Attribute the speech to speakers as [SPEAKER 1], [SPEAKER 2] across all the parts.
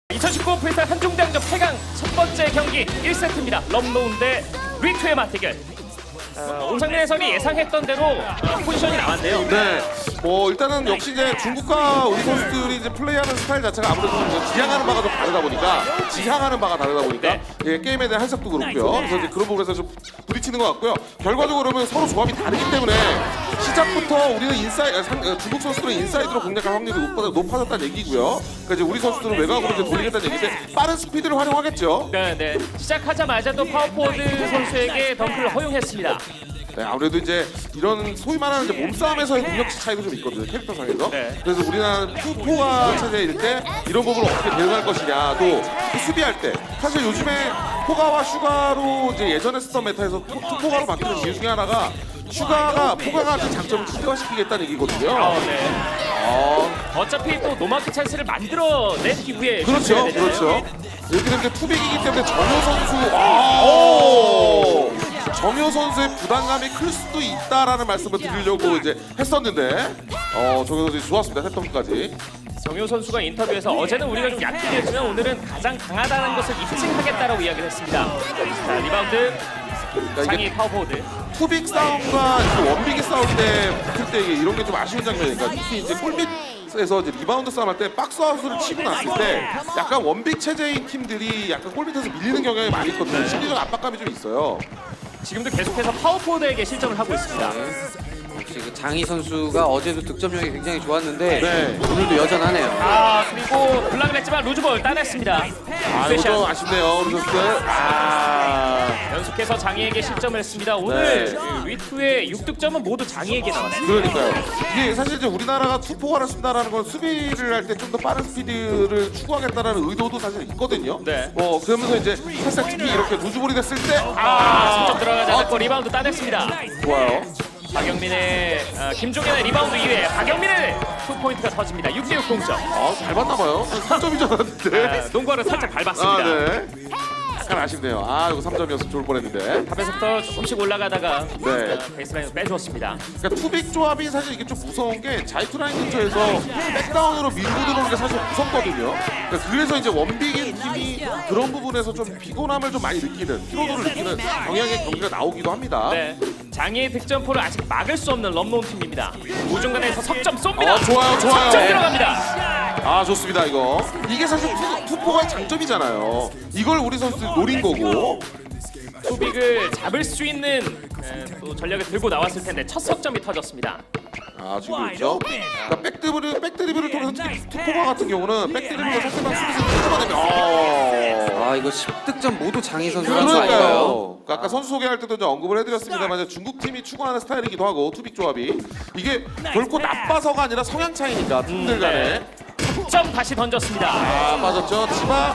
[SPEAKER 1] 2019 프리스타일 한중대항전 8강 첫 번째 경기 1세트입니다. 럼노운 대 리투의 맞대결. 온상민 해설이 예상했던 대로 포지션이 나왔네요.
[SPEAKER 2] 네, 뭐 일단은 역시 이제 중국과 우리 선수들이 이제 플레이하는 스타일 자체가 아무래도 지향하는 바가 좀 다르다 보니까
[SPEAKER 1] 네.
[SPEAKER 2] 예, 게임에 대한 해석도 그렇고요. 그래서 이제 그런 부분에서 좀 부딪히는 것 같고요. 결과적으로 그러면 서로 조합이 다르기 때문에 시작부터 우리는 중국 선수들은 인사이드로 공략할 확률이 높아졌다는 얘기고요. 그러니까 이제 우리 선수들은 외곽으로 이제 돌리겠다는 얘기인데 빠른 스피드를 활용하겠죠.
[SPEAKER 1] 네. 시작하자마자도 파워포워드 선수에게 덩크를 허용했습니다.
[SPEAKER 2] 네, 아무래도 이제 이런 소위 말하는 이제 몸싸움에서의 능력치 차이도 좀 있거든요, 캐릭터상에서.
[SPEAKER 1] 네.
[SPEAKER 2] 그래서 우리나라는 투포가 체제일 때 이런 부분을 어떻게 대응할 것이냐, 또 수비할 때 사실 요즘에 포가와 슈가로 이제 예전에 쓰던 메타에서 투포가로 바뀌는 이유 중에 하나가 슈가가 포가가 장점을 극대화시키겠다는 얘기거든요.
[SPEAKER 1] 어차피 또 노마크 찬스를 만들어낸 이후에
[SPEAKER 2] 그렇죠,
[SPEAKER 1] 슛을 해야 되잖아요.
[SPEAKER 2] 그렇죠. 이렇게 되면 투빅이기 때문에 정효 선수의 부담감이 클 수도 있다라는 말씀을 드리려고 이제 했었는데 정효 선수 좋았습니다. 세턴까지.
[SPEAKER 1] 정효 선수가 인터뷰에서 어제는 우리가 좀 약팀이었지만 오늘은 가장 강하다는 것을 입증하겠다라고 이야기를 했습니다. 자, 리바운드 장이 파워포워드.
[SPEAKER 2] 투빅 싸움과 그 원빅이 싸울 때 붙을 때 이런 게 좀 아쉬운 장면이니까 특히 이제 골밑에서 이제 리바운드 싸움할 때 박스아웃을 치고 났을 때 약간 원빅 체제인 팀들이 약간 골밑에서 밀리는 경향이 많이 있거든요. 심리적 압박감이 좀 있어요.
[SPEAKER 1] 지금도 계속해서 파워포워드에게 실점을 하고 있습니다.
[SPEAKER 3] 역시 그 장희 선수가 어제도 득점력이 굉장히 좋았는데
[SPEAKER 2] 네.
[SPEAKER 3] 오늘도 여전하네요.
[SPEAKER 1] 그리고 블락을 했지만 루즈볼 따냈습니다.
[SPEAKER 2] 이거 좀 아쉽네요, 우리 선수들.
[SPEAKER 1] 연속해서 장희에게 실점을 했습니다. 오늘
[SPEAKER 2] 네.
[SPEAKER 1] 그 리투의 6득점은 모두 장희에게 나왔습니다.
[SPEAKER 2] 그러니까요. 이게 사실 이제 우리나라가 투포가를 쓴다라는 건 수비를 할 때 좀 더 빠른 스피드를 추구하겠다라는 의도도 사실 있거든요.
[SPEAKER 1] 네.
[SPEAKER 2] 그러면서 이제 살짝 특히 이렇게 루즈볼이 됐을 때
[SPEAKER 1] 실점 들어가지 않았고 리바운드 따냈습니다.
[SPEAKER 2] 좋아요.
[SPEAKER 1] 박영민의 김종현의 리바운드 이후에 박영민의 2포인트가 터집니다. 6대6 동점.
[SPEAKER 2] 잘 봤나봐요. 3점이 잖았는데.
[SPEAKER 1] 농구화를 살짝 밟았습니다.
[SPEAKER 2] 네. 약간 아쉽네요. 이거 3점이었으면 좋을 뻔했는데.
[SPEAKER 1] 탑에서부터 조금씩 올라가다가
[SPEAKER 2] 네.
[SPEAKER 1] 베이스라인을 빼주었습니다.
[SPEAKER 2] 그러니까 투빅 조합이 사실 이게 좀 무서운 게 자이투 라인 근처에서 백다운으로 밀고 들어오는 게 사실 무섭거든요. 그래서 이제 원빅인 팀이 그런 부분에서 좀 피곤함을 좀 많이 느끼는, 피로도를 느끼는 경향의 경기가 나오기도 합니다.
[SPEAKER 1] 네. 장애의 득점포를 아직 막을 수 없는 럼노운 팀입니다. 우중간에서 석점 쏩니다.
[SPEAKER 2] 좋아요.
[SPEAKER 1] 석점 들어갑니다.
[SPEAKER 2] 좋습니다 이거. 이게 사실 투포가의 장점이잖아요. 이걸 우리 선수들이 노린 거고.
[SPEAKER 1] 투빅을 잡을 수 있는 또 전략을 들고 나왔을 텐데 첫 석점이 터졌습니다.
[SPEAKER 2] 지금 있죠. 그러니까 백드리블을 통해서 특히 투포가 같은 경우는 백드리블과 상대방 수비수를 끊어내면
[SPEAKER 3] 이거 10득점 모두 장희 선수 선수 아닌가요?
[SPEAKER 2] 그러니까요. 아까 선수 소개할 때도 이제 언급을 해드렸습니다만 중국 팀이 추구하는 스타일이기도 하고 투빅 조합이 이게 결코 나빠서가 아니라 성향 차이니까 팀들 간에.
[SPEAKER 1] 득점 다시 던졌습니다.
[SPEAKER 2] 빠졌죠.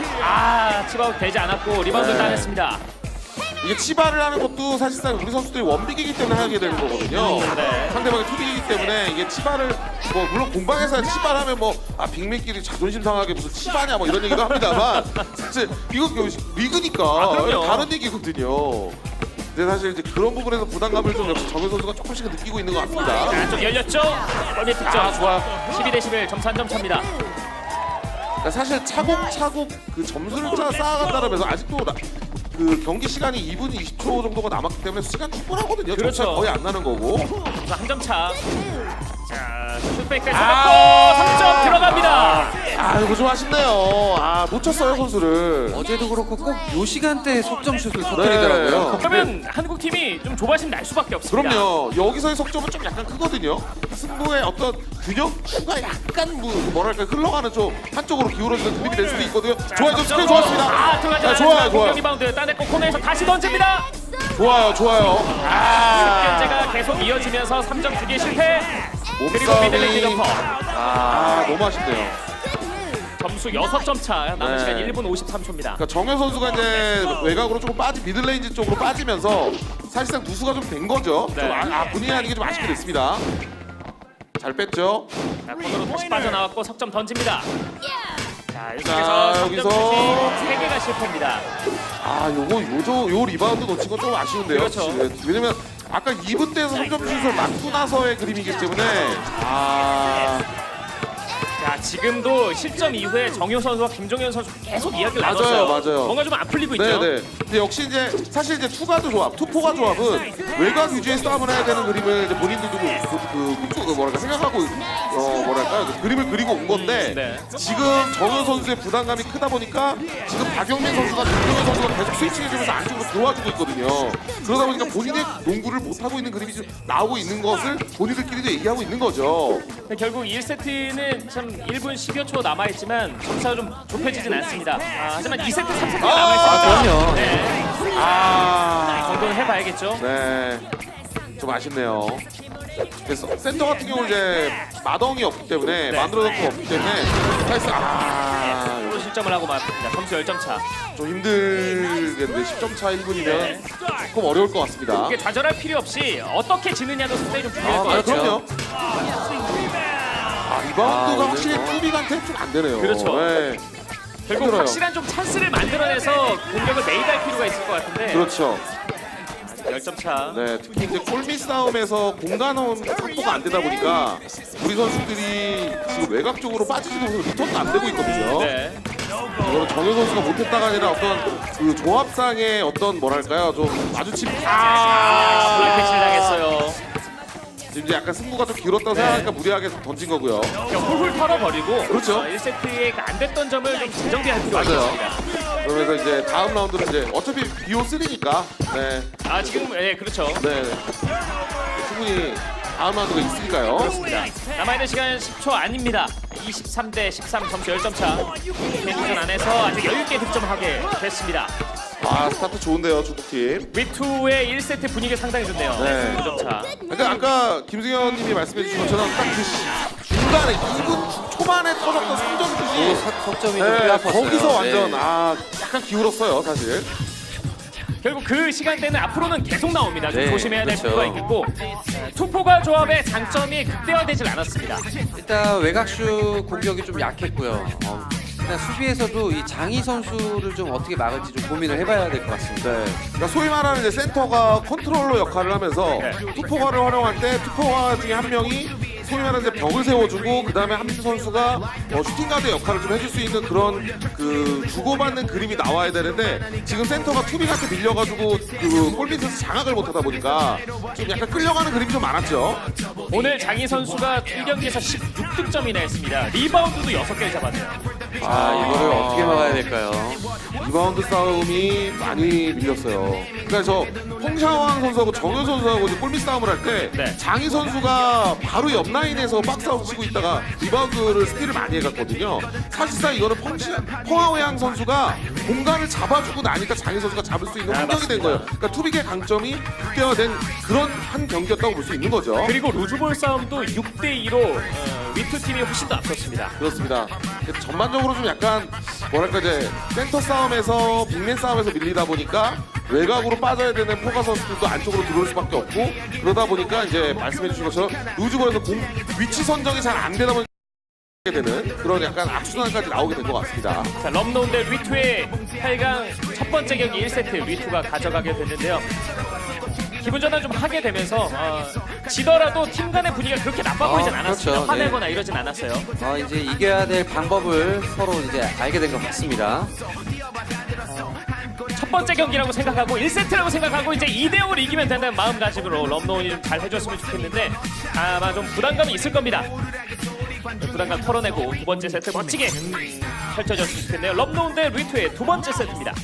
[SPEAKER 1] 치바웃 되지 않았고 리바운드 따냈습니다.
[SPEAKER 2] 이게 치바를 하는 것도 사실상 우리 선수들이 원빅이기 때문에 하게 되는 거거든요.
[SPEAKER 1] 네.
[SPEAKER 2] 상대방이 투빅이기 때문에 이게 치바를 물론 공방에서 치바를 하면 빅맨끼리 자존심 상하게 무슨 치바냐 이런 얘기도 합니다만 사실 이거 리그니까
[SPEAKER 1] 그럼요.
[SPEAKER 2] 다른 얘기거든요. 근데 사실 이제 그런 부분에서 부담감을 좀 역시 정현 선수가 조금씩 느끼고 있는 것 같습니다.
[SPEAKER 1] 안쪽 열렸죠? 골밑 득점.
[SPEAKER 2] 좋아요.
[SPEAKER 1] 12대11 점수 한 점 차입니다.
[SPEAKER 2] 그러니까 사실 차곡차곡 그 점수를 쌓아간다면서 아직도 그 경기 시간이 2분 20초 정도가 남았기 때문에 시간 충분하거든요.
[SPEAKER 1] 그렇죠.
[SPEAKER 2] 점수가 거의 안 나는 거고.
[SPEAKER 1] 한 점 차. 자, 슛백 뺏어냈고 3점 들어갑니다.
[SPEAKER 2] 이거 좀 아쉽네요. 놓쳤어요 선수를.
[SPEAKER 3] 어제도 그렇고 꼭 요 시간대에 석점슛을 터뜨리더라고요.
[SPEAKER 1] 그러면 한국 팀이 좀 조바심 날 수밖에 없습니다.
[SPEAKER 2] 그럼요. 여기서의 석점은 좀 약간 크거든요. 승부의 어떤 균형추가 약간 뭐랄까 흘러가는 좀 한쪽으로 기울어지는 그림이 될 수도 있거든요. 좋아요. 좀 스크린 좋았습니다.
[SPEAKER 1] 들어가지
[SPEAKER 2] 좋아요,
[SPEAKER 1] 않았습니다.
[SPEAKER 2] 좋아요.
[SPEAKER 1] 공격 리바운드 따냈고 코너에서 다시 던집니다.
[SPEAKER 2] 좋아요.
[SPEAKER 1] 현재가 계속 이어지면서 3점 주기에 실패. 그리고 미들레인지 점퍼.
[SPEAKER 2] 너무 아쉽네요.
[SPEAKER 1] 점수 6점 차. 남은
[SPEAKER 2] 네.
[SPEAKER 1] 시간 1분 53초입니다.
[SPEAKER 2] 그러니까 정현 선수가 이제 외곽으로 조금 미들레인지 쪽으로 빠지면서 사실상 누수가 좀 된 거죠.
[SPEAKER 1] 네.
[SPEAKER 2] 좀 본의 아니게 좀 아쉽게 됐습니다. 잘 뺐죠.
[SPEAKER 1] 자, 코너로 다시 빠져나왔고 석점 던집니다. 자,
[SPEAKER 2] 자,
[SPEAKER 1] 여기서
[SPEAKER 2] 여기서
[SPEAKER 1] 3개가 실패입니다.
[SPEAKER 2] 요 리바운드 놓친 건 좀 아쉬운데요.
[SPEAKER 1] 그렇죠.
[SPEAKER 2] 왜냐면 아까 2분 때에서 3점 슛을 맞고 나서의 그림이기 때문에
[SPEAKER 1] 자, 지금도 실점 이후에 정효 선수와 김종현 선수 계속 이야기를
[SPEAKER 2] 맞아요,
[SPEAKER 1] 나눴어요.
[SPEAKER 2] 맞아요.
[SPEAKER 1] 뭔가 좀 안 풀리고 있죠.
[SPEAKER 2] 네네. 근데 역시 이제 사실 이제 투가드 조합, 투포가 조합은 외곽 위주의 싸움을 해야 되는 그림을 이제 본인들도 뭐랄까 생각하고 뭐랄까 그 그림을 그리고 온 건데
[SPEAKER 1] 네.
[SPEAKER 2] 지금 정현 선수의 부담감이 크다 보니까 지금 박영민 선수가 김종현 선수가 계속 스위칭해주면서 안쪽으로 들어와주고 있거든요. 그러다 보니까 본인의 농구를 못 하고 있는 그림이 좀 나오고 있는 것을 본인들끼리도 얘기하고 있는 거죠.
[SPEAKER 1] 결국 1세트는 참 1분 10여 초 남아있지만 점차가 좀 좁혀지진 않습니다. 하지만 2세트, 3세트가 남아있으니까
[SPEAKER 3] 그럼요.
[SPEAKER 1] 네. 이 정도는 해봐야겠죠.
[SPEAKER 2] 네, 좀 아쉽네요. 그래서 센터 같은 경우는 이제 마덩이 없기 때문에
[SPEAKER 1] 네.
[SPEAKER 2] 만들어 놓고 없기 때문에 사실상
[SPEAKER 1] 또 실점을 하고 말습니다. 점수 10점 차.
[SPEAKER 2] 좀 힘들겠는데 10점 차 1분이면
[SPEAKER 1] 네.
[SPEAKER 2] 조금 어려울 것 같습니다.
[SPEAKER 1] 이게 좌절할 필요 없이 어떻게 지느냐도 상당히 좀 중요할 것 같죠.
[SPEAKER 2] 그럼요. 리바운드가
[SPEAKER 3] 아,
[SPEAKER 2] 확실히
[SPEAKER 3] 오늘
[SPEAKER 2] 투빅한테 좀 안 되네요.
[SPEAKER 1] 그렇죠.
[SPEAKER 2] 네.
[SPEAKER 1] 결국
[SPEAKER 2] 힘들어요.
[SPEAKER 1] 확실한 좀 찬스를 만들어내서 공격을 매입할 필요가 있을 것 같은데
[SPEAKER 2] 그렇죠.
[SPEAKER 1] 10점 차.
[SPEAKER 2] 네, 특히 이제 골밑 싸움에서 공간 확보가 안 되다 보니까 우리 선수들이 지금 외곽 쪽으로 빠지지도 못해서 리턴도 안 되고 있거든요.
[SPEAKER 1] 네.
[SPEAKER 2] 이거는 정현 선수가 못했다가 아니라 어떤 그 조합상의 어떤 뭐랄까요 좀 마주침
[SPEAKER 1] 블락패치를 당했어요.
[SPEAKER 2] 지금 이제 약간 승부가 좀 길었다고 생각하니까 무리하게 던진 거고요.
[SPEAKER 1] 그냥 훌훌 털어버리고
[SPEAKER 2] 그렇죠.
[SPEAKER 1] 1세트에 안 됐던 점을 좀 재정비할 필요가
[SPEAKER 2] 맞아요.
[SPEAKER 1] 있습니다.
[SPEAKER 2] 그러면서 이제 다음 라운드는 이제 어차피 BO3니까 네,
[SPEAKER 1] 지금 그렇죠.
[SPEAKER 2] 네, 충분히 다음 라운드가 있으니까요.
[SPEAKER 1] 그렇습니다. 남아있는 시간 10초 아닙니다. 23대 13 점수 10점 차. 대전 안에서 아주 여유있게 득점하게 됐습니다.
[SPEAKER 2] 스타트 좋은데요, 중국팀.
[SPEAKER 1] 위투의 1세트 분위기 상당히 좋네요.
[SPEAKER 2] 네.
[SPEAKER 1] 9점 차.
[SPEAKER 2] 그러니까 아까 김승현 님이 말씀해 주신 것처럼 딱 그 중간에 2분 초반에 터졌던 3점 슛이
[SPEAKER 3] 석점이 좀
[SPEAKER 2] 네,
[SPEAKER 3] 빼앗았어요.
[SPEAKER 2] 거기서 완전
[SPEAKER 3] 네.
[SPEAKER 2] 약간 기울었어요, 사실.
[SPEAKER 1] 결국 그 시간대는 앞으로는 계속 나옵니다. 좀
[SPEAKER 3] 네,
[SPEAKER 1] 조심해야 될
[SPEAKER 3] 그렇죠.
[SPEAKER 1] 필요가 있겠고 투포가 조합의 장점이 극대화되질 않았습니다.
[SPEAKER 3] 일단 외곽슛 공격이 좀 약했고요. 일단 수비에서도 이 장희 선수를 좀 어떻게 막을지 좀 고민을 해봐야 될 것 같습니다.
[SPEAKER 2] 네. 그러니까 소위 말하는 이제 센터가 컨트롤러 역할을 하면서 투포가를 활용할 때 투포가 중에 한 명이 소위 말하는 이제 벽을 세워주고 그 다음에 함수 선수가 슈팅가드 역할을 좀 해줄 수 있는 그런 그 주고받는 그림이 나와야 되는데 지금 센터가 투빅한테 밀려가지고 그 골밑에서 장악을 못하다 보니까 좀 약간 끌려가는 그림이 좀 많았죠.
[SPEAKER 1] 오늘 장희 선수가 1경기에서 16득점이나 했습니다. 리바운드도 6개를 잡았네요.
[SPEAKER 3] 이거를 어떻게 막아야 될까요?
[SPEAKER 2] 리바운드 싸움이 많이 밀렸어요. 그러니까 저 홍샤왕 선수하고 정현 선수하고 이제 골밑 싸움을 할 때
[SPEAKER 1] 네.
[SPEAKER 2] 장희 선수가 바로 옆 라인에서 박스아웃 치고 있다가 리바운드를 스틸을 많이 해갔거든요. 사실상 이거는 펑하오양 선수가 공간을 잡아주고 나니까 장희 선수가 잡을 수 있는 환경이 된 거예요. 그러니까 투빅의 강점이 극대화된 그런 한 경기였다고 볼 수 있는 거죠.
[SPEAKER 1] 그리고 루즈볼 싸움도 6대2로 위투 팀이 훨씬 더 앞섰습니다.
[SPEAKER 2] 그렇습니다. 전반적으로 좀 약간 뭐랄까 이제 센터 싸움에서 빅맨 싸움에서 밀리다 보니까 외곽으로 빠져야 되는 포가 선수들도 안쪽으로 들어올 수밖에 없고 그러다 보니까 이제 말씀해 주신 것처럼 루즈볼에서 위치 선정이 잘 안 되다 보니까 되는 그런 약간 악순환까지 나오게 된 것 같습니다.
[SPEAKER 1] 자, 럼노운 대 리투의 8강 첫 번째 경기 1세트 리투가 가져가게 됐는데요. 기분 전환 좀 하게 되면서 지더라도 팀 간의 분위기가 그렇게 나빠 보이진 않았습니다.
[SPEAKER 3] 그렇죠.
[SPEAKER 1] 화내거나 이러진 않았어요.
[SPEAKER 3] 이제 이겨야 될 방법을 서로 이제 알게 된 것 같습니다.
[SPEAKER 1] 첫 번째 경기라고 생각하고 1세트라고 생각하고 이제 2대5로 이기면 된다는 마음가짐으로 럼노운이 좀 잘 해줬으면 좋겠는데 아마 좀 부담감이 있을 겁니다. 부담감 털어내고 두 번째 세트 멋지게 펼쳐졌으면 좋겠네요. 럼노운 대 리투의 두 번째 세트입니다.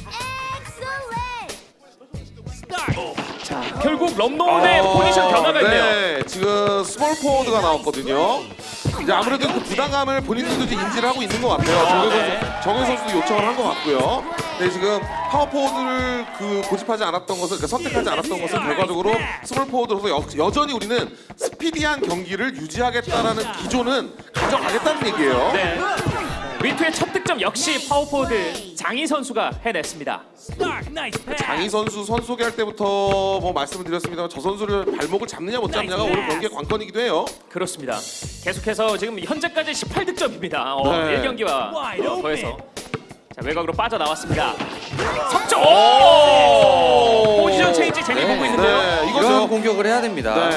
[SPEAKER 1] 자, 결국 럼노운의 포지션 변화가 있네요.
[SPEAKER 2] 네, 지금 스몰 포워드가 나왔거든요. 이제 아무래도 그 부담감을 본인들도 이제 인지를 하고 있는 것 같아요. 정현 선수도 요청을 한 것 같고요. 네, 지금 파워 포워드를 고집하지 않았던 것을, 그러니까 선택하지 않았던 것은 결과적으로 스몰 포워드로서 여전히 우리는 스피디한 경기를 유지하겠다라는 기조는 가져가겠다는 얘기예요.
[SPEAKER 1] 네. 리투의 첫 득점 역시 파워포워드 장희 선수가 해냈습니다.
[SPEAKER 2] 장희 선수 소개할 때부터 뭐 말씀을 드렸습니다만 저 선수를 발목을 잡느냐 못 잡느냐가 오늘 경기의 관건이기도 해요.
[SPEAKER 1] 그렇습니다. 계속해서 지금 현재까지 18득점입니다.
[SPEAKER 2] 네.
[SPEAKER 1] 1경기와 더해서 자, 외곽으로 빠져나왔습니다. 석점! 포지션 체인지 재미 보고 있는데요.
[SPEAKER 2] 네,
[SPEAKER 3] 이런
[SPEAKER 2] 이거죠.
[SPEAKER 3] 공격을 해야 됩니다.
[SPEAKER 2] 네.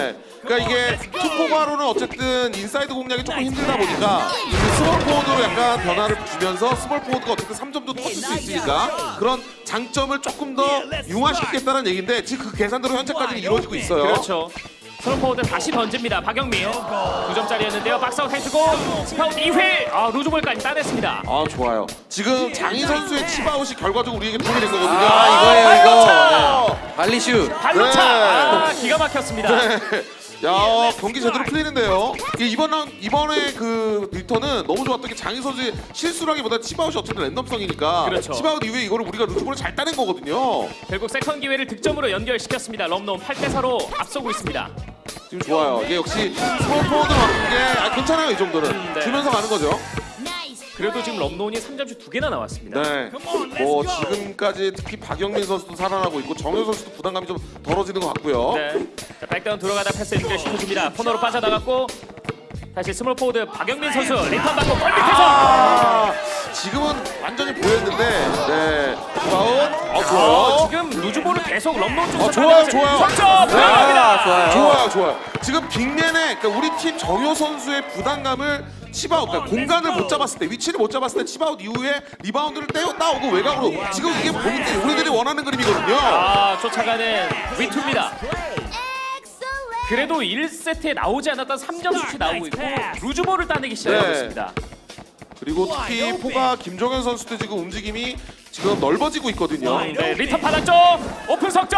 [SPEAKER 2] 그러니까 이게 투포가로는 어쨌든 인사이드 공략이 조금 힘들다 보니까 그 스몰 포워드로 약간 변화를 주면서 스몰 포워드가 어쨌든 3점도 터질 수 있으니까 그런 장점을 조금 더 융화시키겠다는 얘기인데 지금 그 계산대로 현재까지는 이루어지고 있어요.
[SPEAKER 1] 그렇죠. 스몰포워드 다시 던집니다. 박영민 9점짜리였는데요. 박스아웃 해주고 스파웃 2회 루즈볼까지 따냈습니다.
[SPEAKER 2] 아 좋아요. 지금 장희 선수의 치바웃이 결과적으로 우리에게 도움이 된 거거든요.
[SPEAKER 3] 이거예요,
[SPEAKER 1] 발로
[SPEAKER 3] 이거.
[SPEAKER 1] 차!
[SPEAKER 3] 발리슛.
[SPEAKER 1] 발로차!
[SPEAKER 2] 네.
[SPEAKER 1] 기가 막혔습니다.
[SPEAKER 2] 야 경기 제대로 풀리는데요. 이번에 그 리턴은 너무 좋았던 게 장희 선수의 실수라기보다 치바웃이 어쨌든 랜덤성이니까
[SPEAKER 1] 그렇죠.
[SPEAKER 2] 치바웃 이후에 이거를 우리가 루즈볼을 잘 따낸 거거든요.
[SPEAKER 1] 결국 세컨 기회를 득점으로 연결시켰습니다. 럼노 8대4로 앞서고 있습니다.
[SPEAKER 2] 지금 좋아요. 이게 역시 스몰 포워드 맞는 게 괜찮아요 이 정도는
[SPEAKER 1] 네.
[SPEAKER 2] 주면서 가는 거죠.
[SPEAKER 1] 그래도 지금 럼노운이 3점슛 2개나 나왔습니다.
[SPEAKER 2] 네. 뭐 지금까지 특히 박영민 선수도 살아나고 있고 정효 선수도 부담감이 좀 덜어지는 것 같고요.
[SPEAKER 1] 네. 자, 백다운 들어가다 패스 연결시켜줍니다. 코너로 빠져나갔고 다시 스몰 포워드 박영민 선수 리턴 받고 골 밑에서
[SPEAKER 2] 지금은 완전히 보였는데 네. 파울. 좋아요.
[SPEAKER 1] 지금 루즈볼을 계속 럼노운 쪽에서
[SPEAKER 2] 좋아요, 좋아요.
[SPEAKER 1] 석점 들어갑니다.
[SPEAKER 3] 좋아요.
[SPEAKER 2] 좋아요. 지금 빅맨의 그러니까 우리 팀 정효 선수의 부담감을 치바웃, 그러니까 공간을 못 잡았을 때, 위치를 못 잡았을 때 치바웃 이후에 리바운드를 따오고 외곽으로 지금 이게 우리들이 원하는 그림이거든요.
[SPEAKER 1] 쫓아가는 위투입니다. 그래도 1세트에 나오지 않았던 3점 슛이 나오고 있고 루즈볼을 따내기 시작하고
[SPEAKER 2] 네.
[SPEAKER 1] 있습니다.
[SPEAKER 2] 그리고 특히 포가 김종현 선수도 지금 움직임이 지금 넓어지고 있거든요.
[SPEAKER 1] 네, 리턴 받았죠. 오픈 석점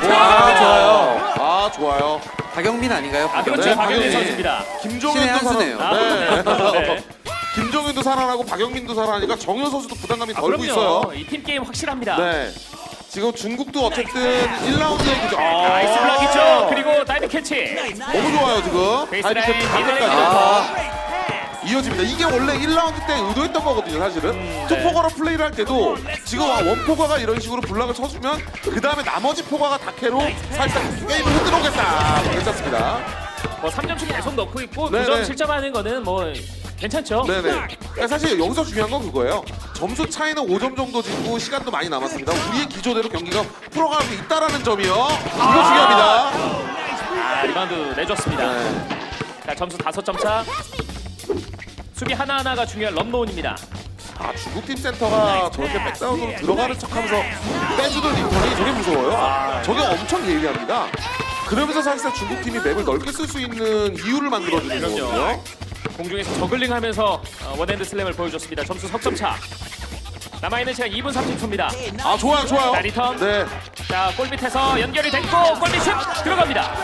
[SPEAKER 2] 좋아요. 좋아요.
[SPEAKER 3] 박영민 아닌가요?
[SPEAKER 1] 그렇죠.
[SPEAKER 2] 네,
[SPEAKER 1] 박영민
[SPEAKER 2] 박영민.
[SPEAKER 1] 선수입니다.
[SPEAKER 2] 김종현도
[SPEAKER 3] 신의 한 수네요.
[SPEAKER 1] 네.
[SPEAKER 2] 김종현도 살아나고 박영민도 살아나니까 정효 선수도 부담감이 덜고 있어요.
[SPEAKER 1] 이 팀 게임 확실합니다.
[SPEAKER 2] 네. 지금 중국도 어쨌든 1라운드에 그죠.
[SPEAKER 1] 나이스 블락이죠. 그리고 다이빙 캐치.
[SPEAKER 2] 너무 좋아요 지금.
[SPEAKER 1] 베이스라인
[SPEAKER 2] 다이빙 캐치
[SPEAKER 1] 미들레이
[SPEAKER 2] 각각까지. 이어집니다. 이게 원래 1라운드 때 의도했던 거거든요, 사실은. 투포가로 플레이를 할 때도 지금 원포가가 이런 식으로 블락을 쳐주면 그 다음에 나머지 포가가 다케로 살짝 게임을 흔들어오겠다. 괜찮습니다.
[SPEAKER 1] 뭐 3점씩 계속 넣고 있고
[SPEAKER 2] 네네.
[SPEAKER 1] 9점 실점하는 거는 뭐 괜찮죠.
[SPEAKER 2] 네네. 그러니까 사실 여기서 중요한 건 그거예요. 점수 차이는 5점 정도 지고 시간도 많이 남았습니다. 우리의 기조대로 경기가 풀어가고 있다라는 점이요. 이거 중요합니다.
[SPEAKER 1] 리바운드 내줬습니다.
[SPEAKER 2] 네.
[SPEAKER 1] 자, 점수 5점 차. 수비 하나하나가 중요한 럼노운입니다.
[SPEAKER 2] 중국팀 센터가 저렇게 백다운으로 들어가는 척하면서 빼주는 리턴이 저게 무서워요. 저게 엄청 예리합니다. 그러면서 사실상 중국팀이 맵을 넓게 쓸 수 있는 이유를 만들어주는 거거든요.
[SPEAKER 1] 공중에서 저글링하면서 원핸드 슬램을 보여줬습니다. 점수 석점 차. 남아있는 시간 2분 30초입니다.
[SPEAKER 2] 좋아요.
[SPEAKER 1] 자, 리턴.
[SPEAKER 2] 네.
[SPEAKER 1] 자, 골 밑에서 연결이 됐고 골밑 슛 들어갑니다.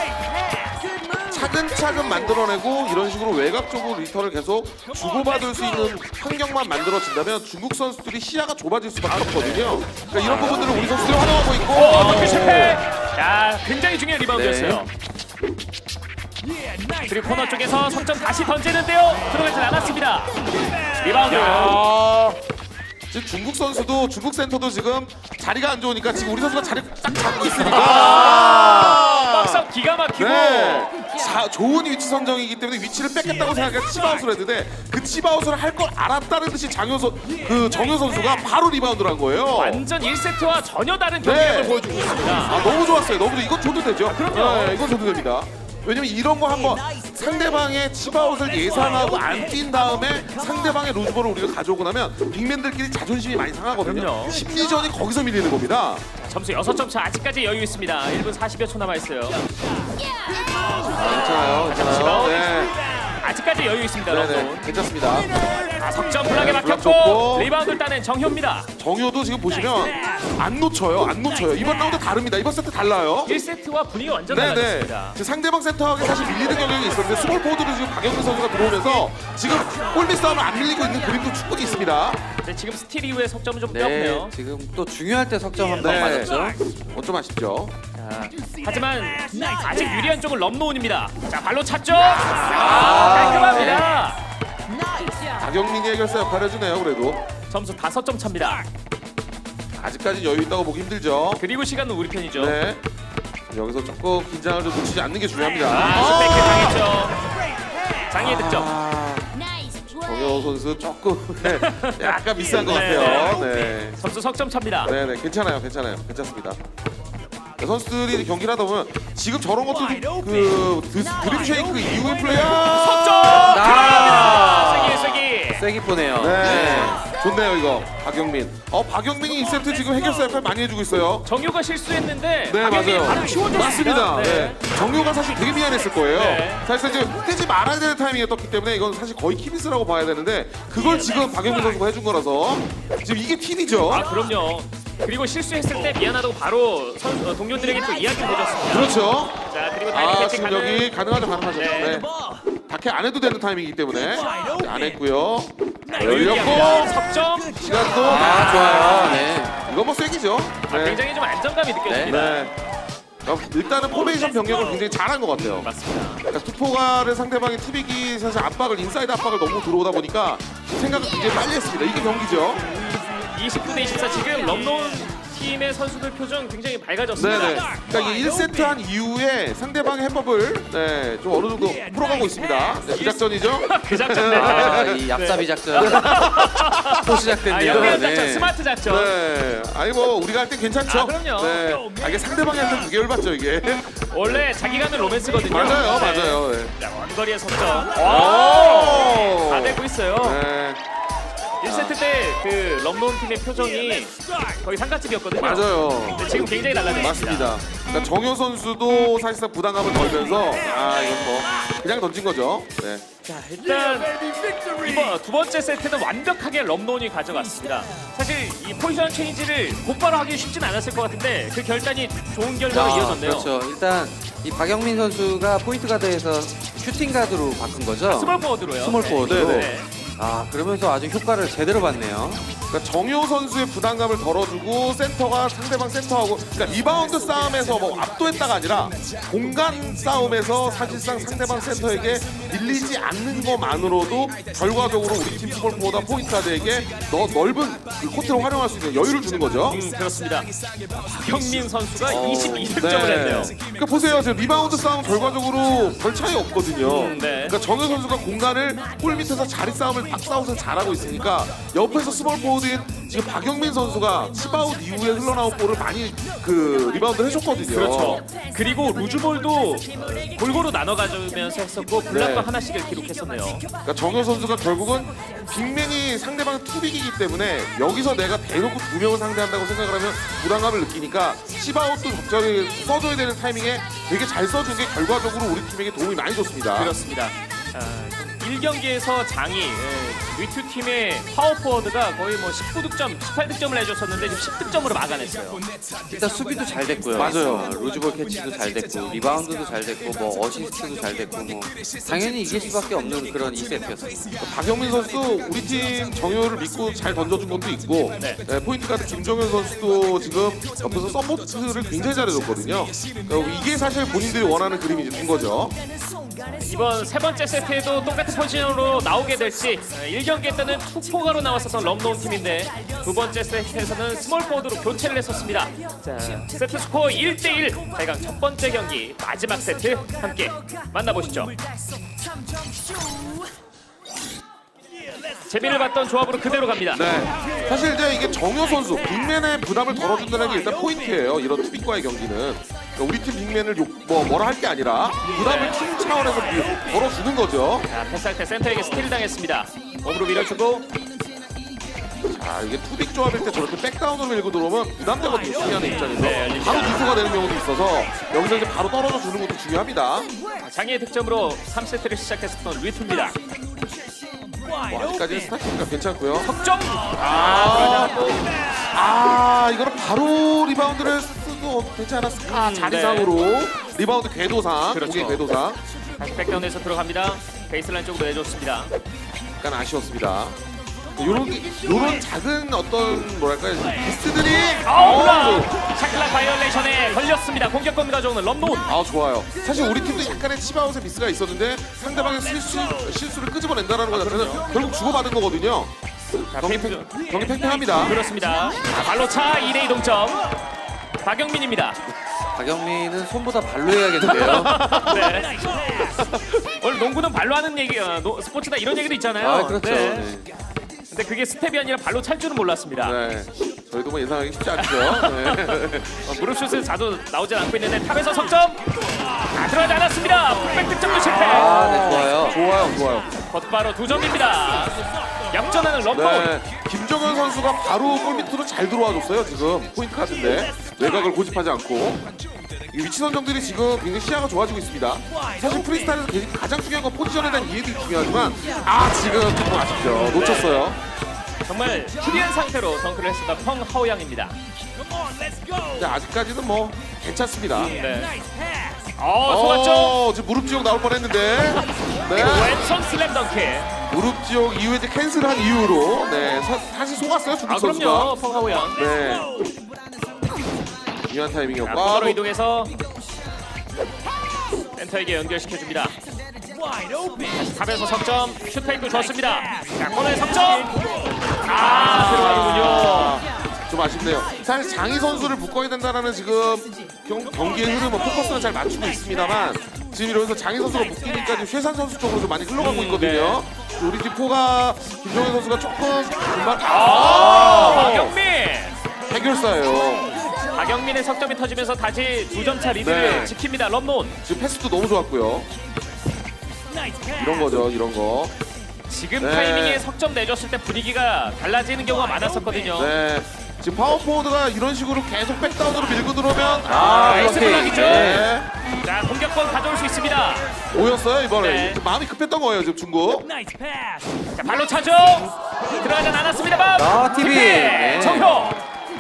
[SPEAKER 2] 차근차근 만들어내고 이런 식으로 외곽 쪽으로 리턴을 계속 주고받을 수 있는 환경만 만들어진다면 중국 선수들이 시야가 좁아질 수밖에 없거든요. 그러니까 이런 부분들을 우리 선수들이 활용하고 있고.
[SPEAKER 1] 덩크 실패. 자, 굉장히 중요한 리바운드였어요. 그리고 코너 쪽에서 석점 다시 던지는데요. 들어가진 않았습니다. 리바운드.
[SPEAKER 2] 지금 중국 선수도 중국 센터도 지금 자리가 안 좋으니까 지금 우리 선수가 자리 딱 잡고 있으니까.
[SPEAKER 1] 박스 기가 막히고.
[SPEAKER 2] 네. 좋은 위치 선정이기 때문에 위치를 뺏겠다고 생각해서 치바웃을 했는데 그 치바웃을 할 걸 알았다는 듯이 정효 선수가 바로 리바운드를 한 거예요.
[SPEAKER 1] 완전 1세트와 전혀 다른 경기력을
[SPEAKER 2] 네.
[SPEAKER 1] 보여주고 있습니다.
[SPEAKER 2] 너무 좋았어요. 너무 이건 줘도 되죠.
[SPEAKER 1] 그럼요.
[SPEAKER 2] 네, 이건 줘도 됩니다. 왜냐면 이런 거 한번 상대방의 치바웃을 예상하고 안 뛴 다음에 상대방의 루즈볼을 우리가 가져오고 나면 빅맨들끼리 자존심이 많이 상하거든요.
[SPEAKER 1] 그럼요.
[SPEAKER 2] 심리전이 거기서 밀리는 겁니다.
[SPEAKER 1] 점수 6점 차. 아직까지 여유 있습니다. 1분 40여 초 남아있어요.
[SPEAKER 2] 괜찮아요. 괜찮아요. 네.
[SPEAKER 1] 아직까지 여유 있습니다.
[SPEAKER 2] 네네.
[SPEAKER 1] 럼노운.
[SPEAKER 2] 괜찮습니다.
[SPEAKER 1] 석점 블락에
[SPEAKER 2] 블락
[SPEAKER 1] 막혔고
[SPEAKER 2] 좋고.
[SPEAKER 1] 리바운드를 따낸 정효입니다.
[SPEAKER 2] 정효도 지금 보시면 안 놓쳐요. 이번 라운드 다릅니다. 이번 세트 달라요.
[SPEAKER 1] 1세트와 분위기 완전
[SPEAKER 2] 네네.
[SPEAKER 1] 달라졌습니다.
[SPEAKER 2] 지금 상대방 센터에게 사실 밀리는 경향이 있었는데 스몰 포워드로 지금 박영민 선수가 들어오면서 지금 골밑 싸움을 안 밀리고 있는 그림도 충분히 있습니다.
[SPEAKER 1] 네, 지금 스틸 이후에 석점은 좀
[SPEAKER 3] 네,
[SPEAKER 1] 떼었네요.
[SPEAKER 3] 지금 또 중요할 때 석점 한 번
[SPEAKER 2] 네.
[SPEAKER 3] 맞았죠.
[SPEAKER 2] 좀 아쉽죠.
[SPEAKER 1] 자, 하지만 아직 유리한 쪽은 럼노운입니다. 자, 발로 찼죠? 깔끔합니다.
[SPEAKER 2] 박영민이 해결사 역할을 해주네요. 그래도
[SPEAKER 1] 점수 5점 차입니다.
[SPEAKER 2] 아직까지 여유 있다고 보기 힘들죠.
[SPEAKER 1] 그리고 시간은 우리 편이죠.
[SPEAKER 2] 네. 여기서 조금 긴장을 좀 놓치지 않는 게 중요합니다.
[SPEAKER 1] 슈페이크 당했죠. 장애 득점.
[SPEAKER 2] 정효 선수 조금 네, 약간 미스한 것
[SPEAKER 1] 네.
[SPEAKER 2] 같아요. 네.
[SPEAKER 1] 점수 석점 차입니다.
[SPEAKER 2] 네네 괜찮아요. 괜찮습니다. 선수들이 경기를 하다 보면 지금 저런 것도 그 드림 쉐이크 이후의 플레이야.
[SPEAKER 3] 아,
[SPEAKER 1] 세기.
[SPEAKER 3] 세기 보네요.
[SPEAKER 2] 네. 좋네요 이거 박영민. 박영민이 이 세트 지금 해결사 역할 많이 해주고 있어요.
[SPEAKER 1] 정유가 실수했는데
[SPEAKER 2] 네
[SPEAKER 1] 박영민이
[SPEAKER 2] 맞아요.
[SPEAKER 1] 바로 치워줬습니다.
[SPEAKER 2] 맞습니다. 네. 정유가 사실 되게 미안했을 거예요.
[SPEAKER 1] 네.
[SPEAKER 2] 사실 이제 떼지 말아야 되는 타이밍에 떴기 때문에 이건 사실 거의 키미스라고 봐야 되는데 그걸 지금 박영민 선수가 해준 거라서 지금 이게 팁이죠.
[SPEAKER 1] 아 그럼요. 그리고 실수했을 때 미안하다고 바로 동료들에게 또 이야기를 해줬습니다.
[SPEAKER 2] 그렇죠.
[SPEAKER 1] 자 그리고 다이렉트 캐치
[SPEAKER 2] 지금
[SPEAKER 1] 가는
[SPEAKER 2] 여기 가능하죠.
[SPEAKER 1] 네.
[SPEAKER 2] 네. 다케 안 해도 되는 타이밍이기 때문에 안 했고요.
[SPEAKER 1] 여유기합니다.
[SPEAKER 2] 열렸고
[SPEAKER 1] 석점.
[SPEAKER 2] 시간도
[SPEAKER 3] 아, 좋아요. 네.
[SPEAKER 2] 이거 뭐 세기죠. 네.
[SPEAKER 1] 굉장히 좀 안정감이 느껴집니다.
[SPEAKER 2] 네. 일단은 포메이션 변경을 굉장히 잘한 것 같아요.
[SPEAKER 1] 맞습니다.
[SPEAKER 2] 그러니까 투포가를 상대방이 투빅이 사실 압박을 인사이드 압박을 너무 들어오다 보니까 생각을 굉장히 빨리 했습니다. 이게 경기죠.
[SPEAKER 1] 29대 24 지금 럼노운 팀의 선수들 표정 굉장히 밝아졌습니다.
[SPEAKER 2] 네네. 그러니까 이 1세트 한 이후에 상대방의 해법을 좀 어느 정도 풀어가고 있습니다. 네, 그 작전이죠.
[SPEAKER 1] 그 작전
[SPEAKER 3] 아,
[SPEAKER 1] 네.
[SPEAKER 3] 이 얍삽이 작전 또 시작됐네요.
[SPEAKER 1] 연결 작전,
[SPEAKER 3] 네.
[SPEAKER 1] 스마트 작전.
[SPEAKER 2] 네. 아니 뭐 우리가 할 때 괜찮죠.
[SPEAKER 1] 아, 그럼요.
[SPEAKER 2] 네. 이게 상대방이 할 때 두 개월 받죠 이게.
[SPEAKER 1] 원래 자기가 하는 로맨스거든요.
[SPEAKER 2] 맞아요,
[SPEAKER 1] 네.
[SPEAKER 2] 맞아요. 네.
[SPEAKER 1] 자, 원거리의 석점.
[SPEAKER 2] 오!
[SPEAKER 1] 다 되고 있어요.
[SPEAKER 2] 네.
[SPEAKER 1] 1세트 때 그 럼노운 팀의 표정이 거의 상가집이었거든요.
[SPEAKER 2] 맞아요.
[SPEAKER 1] 근데 지금 굉장히 달라졌습니다.
[SPEAKER 2] 맞습니다. 그러니까 정효 선수도 사실상 부담감을 덜면서 이건 뭐 그냥 던진 거죠. 네.
[SPEAKER 1] 자, 일단 이번 두 번째 세트는 완벽하게 럼노운이 가져갔습니다. 사실 이 포지션 체인지를 곧바로 하기 쉽진 않았을 것 같은데 그 결단이 좋은 결과로 이어졌네요.
[SPEAKER 3] 그렇죠. 일단 이 박영민 선수가 포인트 가드에서 슈팅 가드로 바꾼 거죠.
[SPEAKER 1] 스몰 포워드로요.
[SPEAKER 3] 스몰 포워드로.
[SPEAKER 1] 네.
[SPEAKER 3] 아, 그러면서 아주 효과를 제대로 봤네요.
[SPEAKER 2] 그러니까 정효 선수의 부담감을 덜어주고 센터가 상대방 센터하고 그러니까 리바운드 싸움에서 뭐 압도했다가 아니라 공간 싸움에서 사실상 상대방 센터에게 밀리지 않는 것만으로도 결과적으로 우리 팀 스몰포보다 포인트 가드에게 넓은 그 코트를 활용할 수 있는 여유를 주는 거죠.
[SPEAKER 1] 그렇습니다. 박영민 선수가 22득점을 했네요.
[SPEAKER 2] 그러니까 보세요. 지금 리바운드 싸움 결과적으로 별 차이 없거든요.
[SPEAKER 1] 네.
[SPEAKER 2] 그러니까 정효 선수가 공간을 골 밑에서 자리 싸움을 박스아웃을 잘하고 있으니까 옆에서 스몰 포워드인 지금 박영민 선수가 칩아웃 이후에 흘러나온 볼을 많이 그 리바운드를 해줬거든요.
[SPEAKER 1] 그렇죠. 그리고 루즈볼도 골고루 나눠 가지면서 했었고 블락도
[SPEAKER 2] 네.
[SPEAKER 1] 하나씩을 기록했었네요.
[SPEAKER 2] 그러니까 정효 선수가 결국은 빅맨이 상대방 투빅이기 때문에 여기서 내가 대놓고 두 명을 상대한다고 생각을 하면 부담감을 느끼니까 칩아웃도 적절히 써줘야 되는 타이밍에 되게 잘 써준 게 결과적으로 우리 팀에게 도움이 많이 줬습니다.
[SPEAKER 1] 그렇습니다. 1경기에서 장이 위투 팀의 파워포워드가 거의 뭐 19득점, 18득점을 해줬었는데 지금 10득점으로 막아냈어요.
[SPEAKER 3] 일단 수비도 잘 됐고요.
[SPEAKER 2] 맞아요.
[SPEAKER 3] 루즈볼 캐치도 잘 됐고 리바운드도 잘 됐고 뭐 어시스트도 잘 됐고 뭐 당연히 이길 수밖에 없는 그런 2세트였습니다.
[SPEAKER 2] 박영민 선수도 우리 팀 정효를 믿고 잘 던져준 것도 있고
[SPEAKER 1] 네.
[SPEAKER 2] 포인트 가드 김정현 선수도 지금 옆에서 서포트를 굉장히 잘해줬거든요. 이게 사실 본인들이 원하는 그림이 된 거죠.
[SPEAKER 1] 이번 세 번째 세트에도 똑같은 포지션으로 나오게 될지 1경기 때는 투포가로 나왔었던 럼노운 팀인데 두 번째 세트에서는 스몰 포워드로 교체를 했었습니다. 자, 세트 스코어 1대1 대강 첫 번째 경기 마지막 세트 함께 만나보시죠. 재미를 봤던 조합으로 그대로 갑니다.
[SPEAKER 2] 네. 사실 이제 이게 정효 선수 빅맨의 부담을 덜어준다는 게 일단 포인트예요. 이런 투빅과의 경기는 그러니까 우리 팀 빅맨을 뭐라 할 게 아니라 부담을 팀 차원에서 덜어주는 거죠.
[SPEAKER 1] 자, 패스할 때 센터에게 스틸 당했습니다. 몸으로 밀어주고
[SPEAKER 2] 이게 투빅 조합일 때 저렇게 백다운으로 밀고 들어오면 부담되거든요. 수비하는 입장에서
[SPEAKER 1] 네, 열립니다.
[SPEAKER 2] 바로 누수가 되는 경우도 있어서 여기서 이제 바로 떨어져 주는 것도 중요합니다.
[SPEAKER 1] 장애의 득점으로 3세트를 시작했었던 리투입니다.
[SPEAKER 2] 아직까지는 스타트가 괜찮고요.
[SPEAKER 1] 석점!
[SPEAKER 2] 이거는 바로 리바운드를 쓰도 되지 않았을까? 자리상으로 리바운드 궤도상,
[SPEAKER 1] 그렇죠.
[SPEAKER 2] 공의 궤도상
[SPEAKER 1] 다시 백다운에서 들어갑니다. 베이스라인 쪽으로 내줬습니다.
[SPEAKER 2] 약간 아쉬웠습니다. 요런 작은 어떤 뭐랄까요 미스들이
[SPEAKER 1] 샤클락 바이올레이션에 걸렸습니다. 공격권 가져오는 럼노운.
[SPEAKER 2] 좋아요. 사실 우리 팀도 약간의 치바웃의 미스가 있었는데 상대방의 실수를 끄집어낸다는 거 자체는 결국 주고받은 거거든요. 경기 팽팽합니다.
[SPEAKER 1] 그렇습니다. 발로 차 2대2 동점. 박영민입니다.
[SPEAKER 3] 박영민은 손보다 발로 해야겠는데요.
[SPEAKER 1] 네. 원래 농구는 발로 하는 얘기, 스포츠나 이런 얘기도 있잖아요.
[SPEAKER 3] 그렇죠.
[SPEAKER 1] 네.
[SPEAKER 3] 네.
[SPEAKER 1] 근데 그게 스텝이 아니라 발로 찰 줄은 몰랐습니다.
[SPEAKER 2] 네. 저희도 뭐 예상하기 쉽지 않죠. 네.
[SPEAKER 1] 무릎슛은 자주 나오진 않고 있는데 탑에서 석점 들어가지 않았습니다. 풀백 득점도 실패.
[SPEAKER 3] 네, 좋아요.
[SPEAKER 2] 좋아요.
[SPEAKER 1] 곧바로 2점입니다. 역전하는 럼노.
[SPEAKER 2] 네, 김정현 선수가 바로 골 밑으로 잘 들어와줬어요. 지금 포인트 카드인데 외곽을 고집하지 않고 이 위치 선정들이 지금 굉장히 시야가 좋아지고 있습니다. 사실 프리스타일에서 가장 중요한 건 포지션에 대한 이해도 중요하지만 지금 조금 아쉽죠. 놓쳤어요.
[SPEAKER 1] 정말 프리한 상태로 덩크를 했었던 펑 하오양입니다.
[SPEAKER 2] 근데 아직까지는 뭐 괜찮습니다.
[SPEAKER 1] 네. 속았죠?
[SPEAKER 2] 지금 무릎 지옥 나올 뻔했는데 네.
[SPEAKER 1] 왼손 슬램 덩크.
[SPEAKER 2] 무릎 지옥 이후에 이제 캔슬한 이후로 네 사실 속았어요 중국 선수가.
[SPEAKER 1] 그럼요. 펑 하오양.
[SPEAKER 2] 네. 중요한
[SPEAKER 1] 자,
[SPEAKER 2] 타이밍이었고.
[SPEAKER 1] 코너로 이동해서 센터에게 연결시켜줍니다. 다시 탑에서 석점, 슛페이크 좋습니다. 자, 코너에 석점. 들어가는군요.
[SPEAKER 2] 좀 아쉽네요. 사실 장희 선수를 묶어야 된다라는 지금 경기의 흐름은 포커스는 잘 맞추고 있습니다만 지금 이러면서 장희 선수가 묶이니까 지금 쇠산 선수 쪽으로 좀 많이 흘러가고 있거든요. 우리 팀 포가 김종현 선수가 조금 금방
[SPEAKER 1] 박영민.
[SPEAKER 2] 해결사예요.
[SPEAKER 1] 박영민의 석점이 터지면서 다시 2점차 리드를
[SPEAKER 2] 네.
[SPEAKER 1] 지킵니다. 럼논.
[SPEAKER 2] 지금 패스도 너무 좋았고요. 이런 거죠, 이런 거.
[SPEAKER 1] 지금
[SPEAKER 2] 네.
[SPEAKER 1] 타이밍에 석점 내줬을 때 분위기가 달라지는 경우가 많았었거든요.
[SPEAKER 2] 네. 지금 파워포워드가 이런 식으로 계속 백다운으로 밀고 들어오면
[SPEAKER 1] 나이스
[SPEAKER 3] 이렇게.
[SPEAKER 1] 블락이죠.
[SPEAKER 2] 네.
[SPEAKER 1] 자, 공격권 가져올 수 있습니다.
[SPEAKER 2] 오였어요 이번에.
[SPEAKER 1] 네.
[SPEAKER 2] 마음이 급했던 거예요 지금 중국.
[SPEAKER 1] 자, 발로 차죠. 들어가진 않았습니다만.
[SPEAKER 3] TV.
[SPEAKER 1] 네. 정효.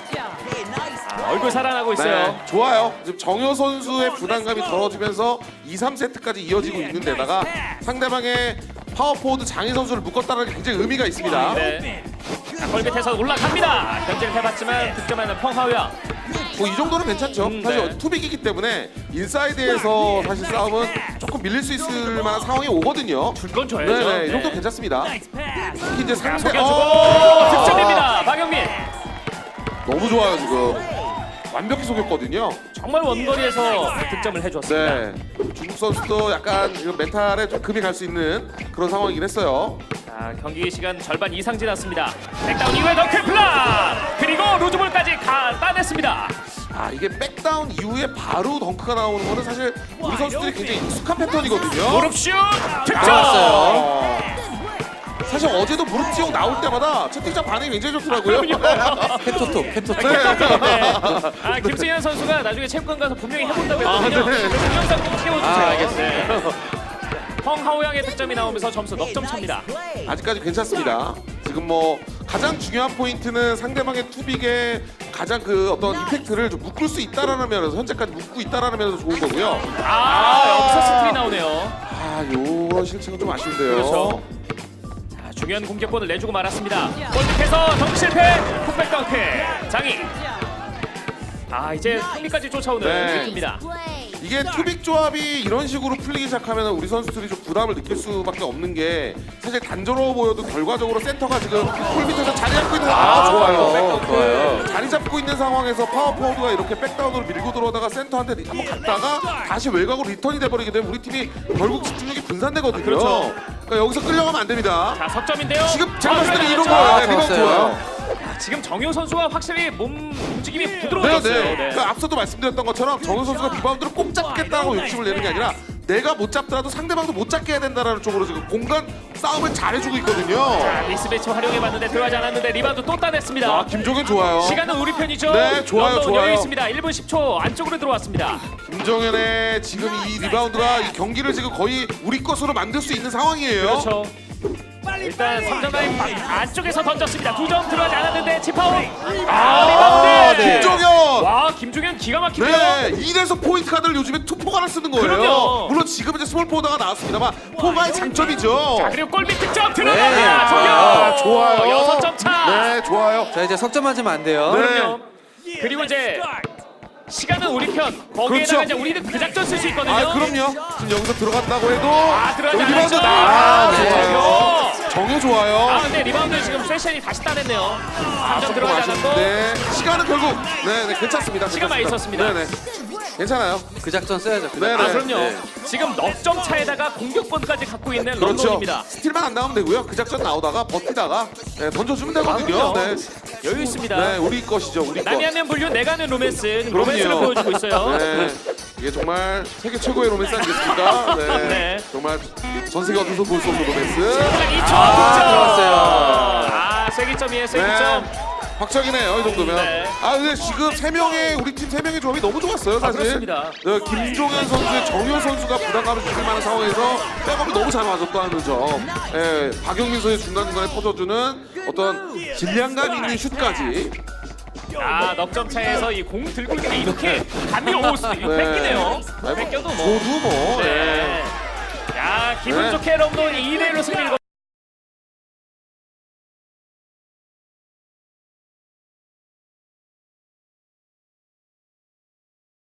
[SPEAKER 1] 얼굴 살아나고 있어요.
[SPEAKER 2] 네, 좋아요. 지금 정효 선수의 부담감이 덜어지면서 2, 3세트까지 이어지고 있는 데다가 상대방의 파워포워드 장희 선수를 묶었다는 게 굉장히 의미가 있습니다.
[SPEAKER 1] 네. 자, 골 밑에서 올라갑니다. 견제를 해봤지만 득점하는 펑하우야.
[SPEAKER 2] 뭐 이 정도는 괜찮죠.
[SPEAKER 1] 네.
[SPEAKER 2] 사실 투빅이기 때문에 인사이드에서 사실 싸움은 조금 밀릴 수 있을 만한 상황이 오거든요.
[SPEAKER 1] 줄건 줘야죠.
[SPEAKER 2] 네네, 이 정도 괜찮습니다. 특히 이제
[SPEAKER 1] 자,
[SPEAKER 2] 상대
[SPEAKER 1] 속여주고 득점입니다. 박영민.
[SPEAKER 2] 너무 좋아요 지금. 완벽히 속였거든요.
[SPEAKER 1] 정말 원거리에서 득점을 해줬습니다.
[SPEAKER 2] 네. 중국 선수도 약간 지금 멘탈에 좀 금이 갈 수 있는 그런 상황이긴 했어요.
[SPEAKER 1] 자, 경기 시간 절반 이상 지났습니다. 백다운 이후에 덩크 플락 그리고 루즈볼까지 따냈습니다.
[SPEAKER 2] 이게 백다운 이후에 바로 덩크가 나오는 거는 사실 우리 선수들이 굉장히 익숙한 패턴이거든요.
[SPEAKER 1] 무릎슛 득점.
[SPEAKER 3] 나왔어요.
[SPEAKER 2] 사실 어제도 무릎 지옥 나올 때마다 채팅창 반응이 굉장히 좋더라고요.
[SPEAKER 3] 페토톡.
[SPEAKER 1] 네. 김승현 선수가 나중에 체육관 가서 분명히 해본다고 했거든요.
[SPEAKER 2] 네.
[SPEAKER 1] 그 동영상 꼭 띄워주세요.
[SPEAKER 3] 알겠습니다.
[SPEAKER 1] 펑하오양의 득점이 나오면서 점수 넉 점 차입니다.
[SPEAKER 2] 아직까지 괜찮습니다. 지금 뭐 가장 중요한 포인트는 상대방의 투빅에 가장 그 어떤 이펙트를 좀 묶을 수 있다라는 면에서 현재까지 묶고 있다라는 면에서 좋은 거고요.
[SPEAKER 1] 여기서 스틸이 나오네요.
[SPEAKER 2] 요런 실책은 좀 아쉬운데요.
[SPEAKER 1] 그렇죠. 자, 중요한 공격권을 내주고 말았습니다. 골 밑에서 덩크 실패, 풋백 덩크, 장희. 이제 승리까지 쫓아오는
[SPEAKER 2] 네.
[SPEAKER 1] 느낌입니다.
[SPEAKER 2] 이게 투빅 조합이 이런 식으로 풀리기 시작하면 우리 선수들이 좀 부담을 느낄 수밖에 없는 게 사실 단조로워 보여도 결과적으로 센터가 지금 골 밑에서 자리 잡고 있는
[SPEAKER 3] 좋아요.
[SPEAKER 2] 자리 잡고 있는 상황에서 파워포워드가 이렇게 백다운으로 밀고 들어오다가 센터한테 한번 갔다가 다시 외곽으로 리턴이 돼버리게 되면 우리 팀이 결국 집중력이 분산되거든요.
[SPEAKER 1] 그렇죠.
[SPEAKER 2] 그러니까 여기서 끌려가면 안 됩니다.
[SPEAKER 1] 자, 석점인데요.
[SPEAKER 2] 지금 제가 봤을 때는 이런
[SPEAKER 1] 들어가죠.
[SPEAKER 2] 거예요. 네, 리바운드
[SPEAKER 3] 좋았어요.
[SPEAKER 2] 좋아요.
[SPEAKER 1] 지금 정효 선수가 확실히 몸 움직임이
[SPEAKER 2] 네,
[SPEAKER 1] 부드러워졌어요.
[SPEAKER 2] 네. 그러니까 앞서도 말씀드렸던 것처럼 정우 선수가 리바운드를 꼭 잡겠다고 욕심을 내는 게 아니라 내가 못 잡더라도 상대방도 못 잡게 해야 된다는 쪽으로 지금 공간 싸움을 잘해주고 있거든요.
[SPEAKER 1] 자, 미스매치 활용해봤는데 들어가지 않았는데 리바운드 또 따냈습니다.
[SPEAKER 2] 김종현 좋아요.
[SPEAKER 1] 시간은 우리 편이죠.
[SPEAKER 2] 네, 좋아요,
[SPEAKER 1] 런던
[SPEAKER 2] 좋아요.
[SPEAKER 1] 여유 있습니다. 1분 10초 안쪽으로 들어왔습니다.
[SPEAKER 2] 김정현의 지금 이 리바운드가 이 경기를 지금 거의 우리 것으로 만들 수 있는 상황이에요.
[SPEAKER 1] 그렇죠. 일단 3점 라인 안쪽에서 던졌습니다. 2점 들어가지 않았는데 치파울. 리바운드.
[SPEAKER 3] 네.
[SPEAKER 2] 김종현.
[SPEAKER 1] 와, 김종현 기가 막히네요.
[SPEAKER 2] 네, 이래서 포인트 카드를 요즘에 투포가 하나 쓰는 거예요.
[SPEAKER 1] 그럼요.
[SPEAKER 2] 물론 지금 이제 스몰 포워드가 나왔습니다만 포가의 장점이죠.
[SPEAKER 1] 자, 그리고 골밑 득점 들어갑니다.
[SPEAKER 2] 네.
[SPEAKER 1] 정효.
[SPEAKER 2] 좋아요.
[SPEAKER 1] 6점 차.
[SPEAKER 2] 네, 좋아요.
[SPEAKER 3] 자, 이제 석점 맞으면 안 돼요.
[SPEAKER 2] 네.
[SPEAKER 1] 그럼요. 그리고 이제 시간은 우리 편. 거기에다가
[SPEAKER 2] 그렇죠.
[SPEAKER 1] 이제 우리는 그 작전 쓸 수 있거든요.
[SPEAKER 2] 그럼요. 지금 여기서 들어간다고 해도
[SPEAKER 1] 들어가지
[SPEAKER 2] 여기 리바운드
[SPEAKER 1] 않았죠.
[SPEAKER 3] 네.
[SPEAKER 1] 정효.
[SPEAKER 2] 정효 좋아요.
[SPEAKER 1] 근데 리바운드 지금 세션이 다시 따냈네요. 3점
[SPEAKER 2] 조금
[SPEAKER 1] 들어가지 않았고.
[SPEAKER 2] 아쉬운데 시간은 결국 네, 괜찮습니다.
[SPEAKER 1] 시간 많이
[SPEAKER 2] 괜찮습니다.
[SPEAKER 1] 있었습니다.
[SPEAKER 2] 네네. 괜찮아요.
[SPEAKER 3] 그 작전 써야죠. 그
[SPEAKER 2] 네,
[SPEAKER 3] 작전.
[SPEAKER 1] 아 그럼요.
[SPEAKER 3] 네.
[SPEAKER 1] 지금 넉 점 차에다가 공격권까지 갖고 있는
[SPEAKER 2] 그렇죠.
[SPEAKER 1] 런던입니다.
[SPEAKER 2] 스틸만 안 나오면 되고요. 그 작전 나오다가 버티다가 네, 던져주면 되거든요.
[SPEAKER 1] 그럼요.
[SPEAKER 2] 네.
[SPEAKER 1] 여유 있습니다.
[SPEAKER 2] 네, 우리 것이죠. 우리 것.
[SPEAKER 1] 남이 하면 불륜, 내가 하면 로맨스.
[SPEAKER 2] 그럼요.
[SPEAKER 1] 로맨스를 보여주고 있어요.
[SPEAKER 2] 네. 이게 정말 세계 최고의 로맨스 아니겠습니까? 네.
[SPEAKER 1] 네.
[SPEAKER 2] 정말 전 세계 어디서 볼 수 없는 로맨스.
[SPEAKER 1] 2점
[SPEAKER 3] 들어갔어요.
[SPEAKER 1] 아, 세기점이에요, 세기점.
[SPEAKER 2] 네. 확정이네요, 이 정도면.
[SPEAKER 1] 네.
[SPEAKER 2] 아, 근데 지금 우리 팀 3명의 조합이 너무 좋았어요, 사실.
[SPEAKER 1] 그렇습니다.
[SPEAKER 2] 네, 김종현 선수의 정효 선수가 부담감을 주실 만한 상황에서 백업이 너무 잘 맞았다는 점. 예, 박영민 선수의 중간중간에 터져주는 어떤 질량감 있는 슛까지.
[SPEAKER 1] 아, 넉 점 차에서 이 공 들고 있는 게 이렇게 감이 이거 뺏기네요.
[SPEAKER 2] 아니,
[SPEAKER 1] 뺏겨도 뭐.
[SPEAKER 2] 저도 뭐.
[SPEAKER 1] 네. 야, 기분
[SPEAKER 2] 네.
[SPEAKER 1] 좋게 런던이 2대1로 승리를